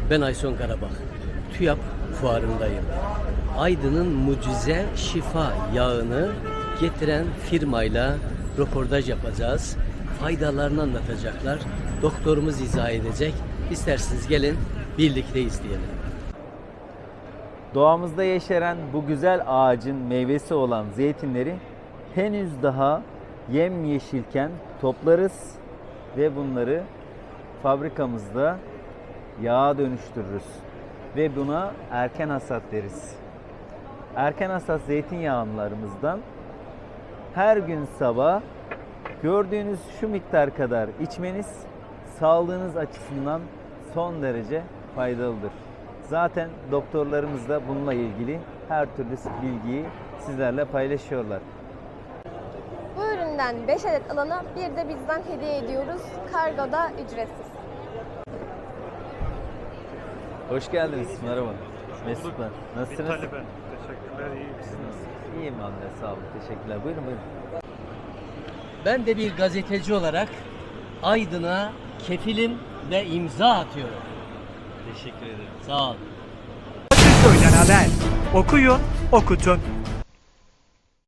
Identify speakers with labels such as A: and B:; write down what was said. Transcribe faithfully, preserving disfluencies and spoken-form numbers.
A: Ben Ayson Karabak. TÜYAP fuarındayım. Aydın'ın mucize şifa yağını getiren firmayla röportaj yapacağız. Faydalarını anlatacaklar. Doktorumuz izah edecek. İsterseniz gelin birlikte izleyelim.
B: Doğamızda yeşeren bu güzel ağacın meyvesi olan zeytinleri henüz daha yemyeşilken toplarız ve bunları fabrikamızda yağa dönüştürürüz ve buna erken hasat deriz. Erken hasat zeytinyağlarımızdan her gün sabah gördüğünüz şu miktar kadar içmeniz sağlığınız açısından son derece faydalıdır. Zaten doktorlarımız da bununla ilgili her türlü bilgiyi sizlerle paylaşıyorlar.
C: Bu üründen beş adet alana bir de bizden hediye ediyoruz. Kargo da ücretsiz.
B: Hoş geldiniz. Merhaba. Mesutlar. Nasılsınız?
D: Vitali ben. Teşekkürler. İyi misiniz?
B: İyiyim anne. Sağ olun. Teşekkürler. Buyurun buyurun.
A: Ben de bir gazeteci olarak Aydın'a kefilim ve imza atıyorum.
B: Teşekkür ederim.
A: Sağ ol.
D: Köyden haber. Okuyun, okutun.